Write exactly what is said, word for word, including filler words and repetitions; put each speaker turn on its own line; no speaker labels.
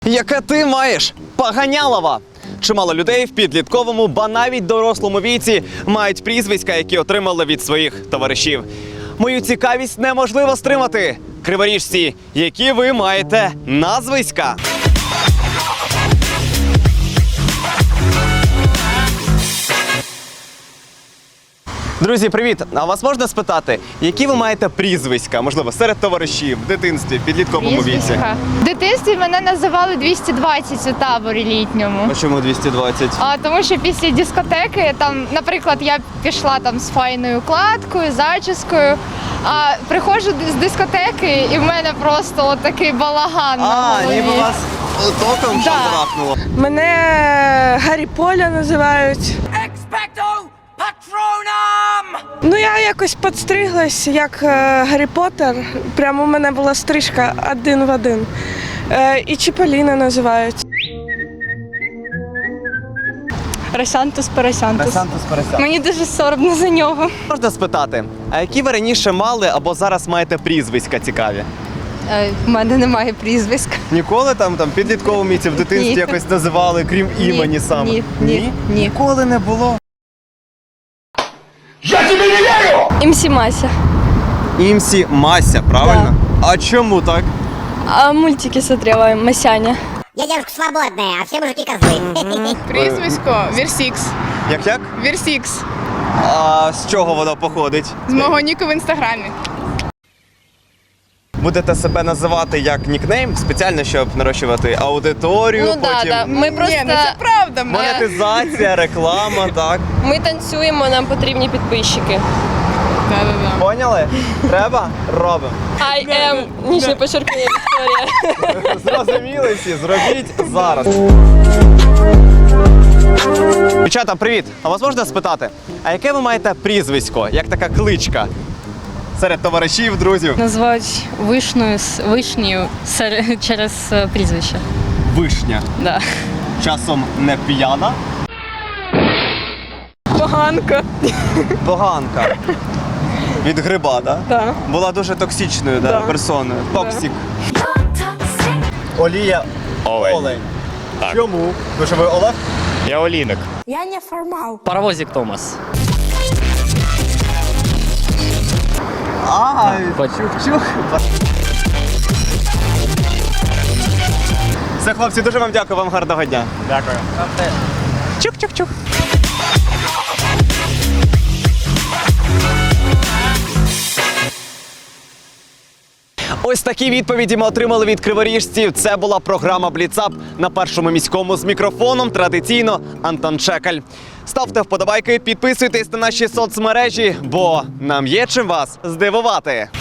Яке ти маєш? Поганялова! Чимало людей в підлітковому, ба навіть дорослому віці мають прізвиська, які отримали від своїх товаришів. Мою цікавість неможливо стримати. Криворіжці, які ви маєте назвиська? Друзі, привіт! А вас можна спитати, які ви маєте прізвиська? Можливо, серед товаришів, в дитинстві, в підлітковому віці?
В дитинстві мене називали двісті двадцять у таборі літньому.
А чому двісті двадцять?
А тому що після дискотеки, там, наприклад, я пішла там з файною укладкою, зачіскою, а приходжу з дискотеки і в мене просто от такий балаган на
А,
голові.
ніби вас током
Да.
шандрахнуло.
Мене Гаррі Поля називають. Ну, я якось підстриглась, як е, Гаррі Поттер. Прямо у мене була стрижка один в один. Е, і Чіполіна називають.
Росянтус Поросянтус.
Росянтус Поросянтус.
Мені дуже соромно за нього.
Можна спитати, а які ви раніше мали або зараз маєте прізвиська цікаві?
У мене немає прізвиська.
Ніколи там, там в підлітковому віці, в дитинстві
Ні.
якось називали, крім імені саме?
ні, ні, ні.
Ніколи не було?
МС Мася.
Імсі Мася, правильно? А чому так?
А мультики смотрела Масяня.
Я девушка свободная, а все мужики козлы.
Прізвисько Вірсікс.
Як-як?
Вірсікс.
А з чого воно походить?
З мого ніку в інстаграмі.
Будете себе називати як нікнейм, спеціально, щоб нарощувати аудиторію,
Ну да,
потім
да. Ми просто
Ні, ну це правда. Ми...
монетизація, реклама, так?
ми танцюємо, нам потрібні підписчики.
Да-да-да.
Поняли? Треба? Робимо.
I am нижнє подчеркнення Вікторія.
Зрозуміли всі, зробіть зараз. Дівчата, привіт! А вас можна спитати, а яке ви маєте прізвисько, як така кличка? Серед товаришів, друзів?
Називають вишнею з вишнею сер- через е, прізвище.
Вишня.
Да.
Часом не п'яна.
Поганка.
Поганка. Від гриба, так? Да?
Да.
Була дуже токсичною да,
Да.
персоною. Токсик. Олія
Олень.
Олень.
Так.
Чому? Тому що ви Олег?
Я Олійник.
Паровозик Томас.
А, чух-чух. Все, хлопці, дуже вам дякую, вам гарного дня.
Дякую.
Чух-чух-чух. Ось такі відповіді ми отримали від криворіжців. Це була програма «Бліцап» на Першому міському з мікрофоном. Традиційно Антон Чекаль. Ставте вподобайки, підписуйтесь на наші соцмережі, бо нам є чим вас здивувати.